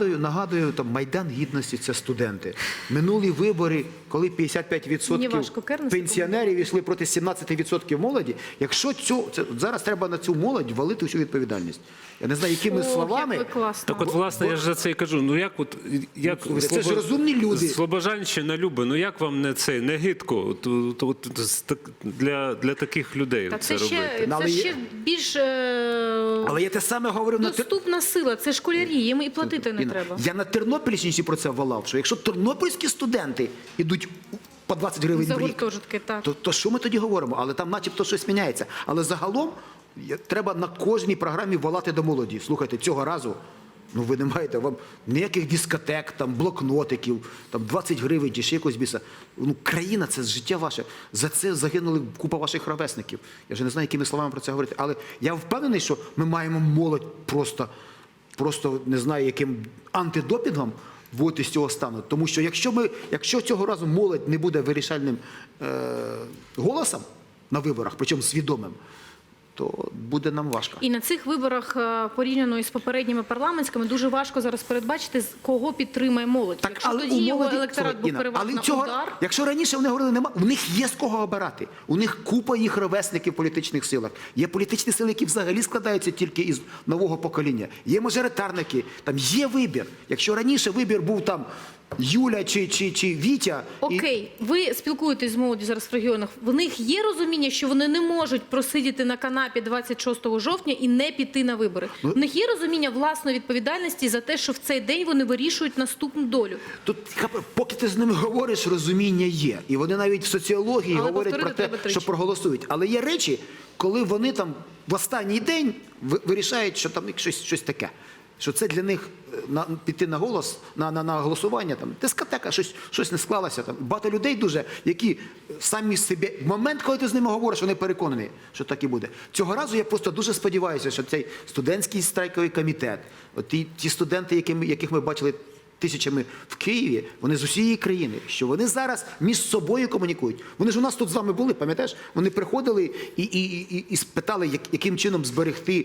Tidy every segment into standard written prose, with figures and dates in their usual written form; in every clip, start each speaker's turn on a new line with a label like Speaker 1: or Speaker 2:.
Speaker 1: Нагадую, там Майдан Гідності – це студенти. Минулі вибори, коли 55% пенсіонерів йшли проти 17% молоді, якщо зараз треба на цю молодь валити всю відповідальність. Я не знаю, якими словами.
Speaker 2: Так от, власне, я ж за це і кажу. Ну як
Speaker 1: це ж розумні люди.
Speaker 2: Слобожанщина любить, ну як вам не гидко для таких людей це робити?
Speaker 3: Це ще більш
Speaker 1: Але я те саме говорив
Speaker 3: доступна сила, це школярі, їм і платити не треба.
Speaker 1: Я на Тернопільщині про це волав, що якщо тернопільські студенти йдуть по 20 гривень в рік, то що ми тоді говоримо? Але там начебто щось міняється. Але загалом треба на кожній програмі волати до молоді. Слухайте, цього разу ви не маєте вам ніяких дискотек, там, блокнотиків, там 20 гривень чи ще якось біса. Країна – це життя ваше. За це загинули купа ваших ровесників. Я вже не знаю, якими словами про це говорити. Але я впевнений, що ми маємо молодь просто не знаю, яким антидопінгом вводити з цього стану. Тому що якщо цього разу молодь не буде вирішальним голосом на виборах, причому свідомим, то буде нам важко.
Speaker 3: І на цих виборах, порівняно із попередніми парламентськими, дуже важко зараз передбачити, кого підтримає молодь. Якщо тоді його електорат був переважно удар.
Speaker 1: Якщо раніше вони говорили, у них є з кого обирати. У них купа їх ровесників в політичних силах. Є політичні сили, які взагалі складаються тільки із нового покоління. Є мажоритарники, там є вибір. Якщо раніше вибір був там Юля чи Вітя.
Speaker 3: Окей, ви спілкуєтесь з молоддю зараз в регіонах. В них є розуміння, що вони не можуть просидіти на канапі 26 жовтня і не піти на вибори? В них є розуміння власної відповідальності за те, що в цей день вони вирішують наступну долю?
Speaker 1: Тут, поки ти з ними говориш, розуміння є. І вони навіть в соціології говорять про те, що проголосують. Але є речі, коли вони там в останній день вирішають, що там щось таке. Що це для них піти на голос, на голосування, там, дискотека, щось не склалося. Там. Багато людей дуже, які самі собі, в момент, коли ти з ними говориш, вони переконані, що так і буде. Цього разу я просто дуже сподіваюся, що цей студентський страйковий комітет, ті студенти, яких ми бачили тисячами в Києві, вони з усієї країни, що вони зараз між собою комунікують. Вони ж у нас тут з вами були, пам'ятаєш? Вони приходили і спитали, яким чином зберегти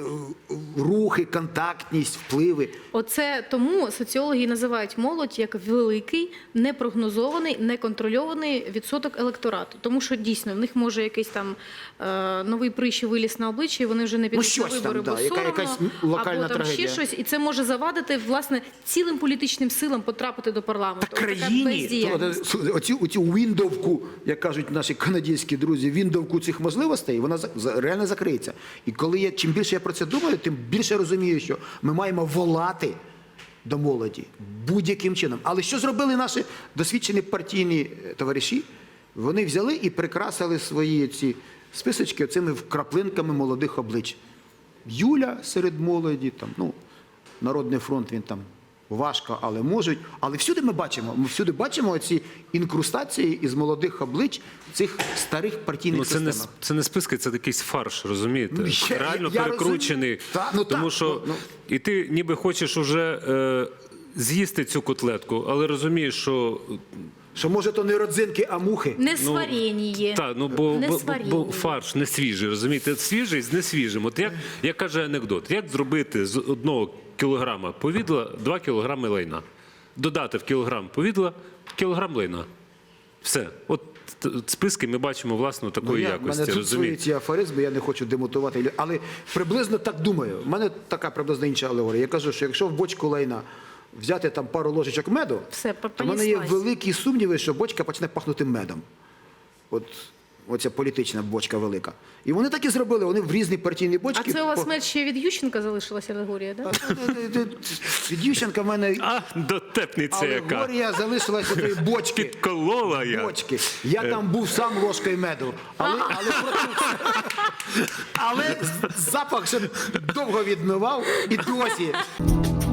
Speaker 1: рухи, контактність, впливи.
Speaker 3: Оце тому соціологи називають молодь як великий, непрогнозований, неконтрольований відсоток електорату. Тому що дійсно в них може якийсь там новий прищий виліз на обличчі, і вони вже не підуть на вибори, бо соромно, або там ще щось. І це може завадити, власне, цілим політичним силам потрапити до парламенту.
Speaker 1: Та країні, оцю віндовку, як кажуть наші канадські друзі, віндовку цих можливостей, вона реально закриється. І коли чим більше я про це думаю, тим більше розумію, що ми маємо волати до молоді будь-яким чином. Але що зробили наші досвідчені партійні товариші? Вони взяли і прикрасили свої ці списочки цими вкраплинками молодих облич. Юля серед молоді, там, Народний фронт, він там важко, але можуть. Але всюди ми бачимо оці інкрустації із молодих облич цих старих партійних систем.
Speaker 2: Це не списки, це якийсь фарш, розумієте? Реально перекручений. Тому що і ти ніби хочеш уже з'їсти цю котлетку, але розумієш, що...
Speaker 1: Що, може, то не родзинки, а мухи?
Speaker 3: Не сварені.
Speaker 2: Так, бо фарш не свіжий, розумієте? Свіжий з несвіжим. От як каже анекдот, як зробити з 1 кілограма повідла 2 кілограми лайна? Додати в кілограм повідла кілограм лайна. Все. От списки ми бачимо, власне, такої якості.
Speaker 1: У мене тут свої ці афоризми, я не хочу демотувати. Але приблизно так думаю. У мене така приблизно інша алегорія. Я кажу, що якщо в бочку лайна взяти там пару ложечок меду, то в мене є великі сумніви, що бочка почне пахнути медом. Оця політична бочка велика. І вони так і зробили, вони в різні партійні бочки.
Speaker 3: А це у вас мед ще від Ющенка залишилася алегорія, так?
Speaker 1: Від Ющенка в мене
Speaker 2: дотепниця яка.
Speaker 1: Алегорія залишилася від бочки.
Speaker 2: Підколола я.
Speaker 1: Я там був сам ложкою меду. Але запах ще довго відмивав і досі.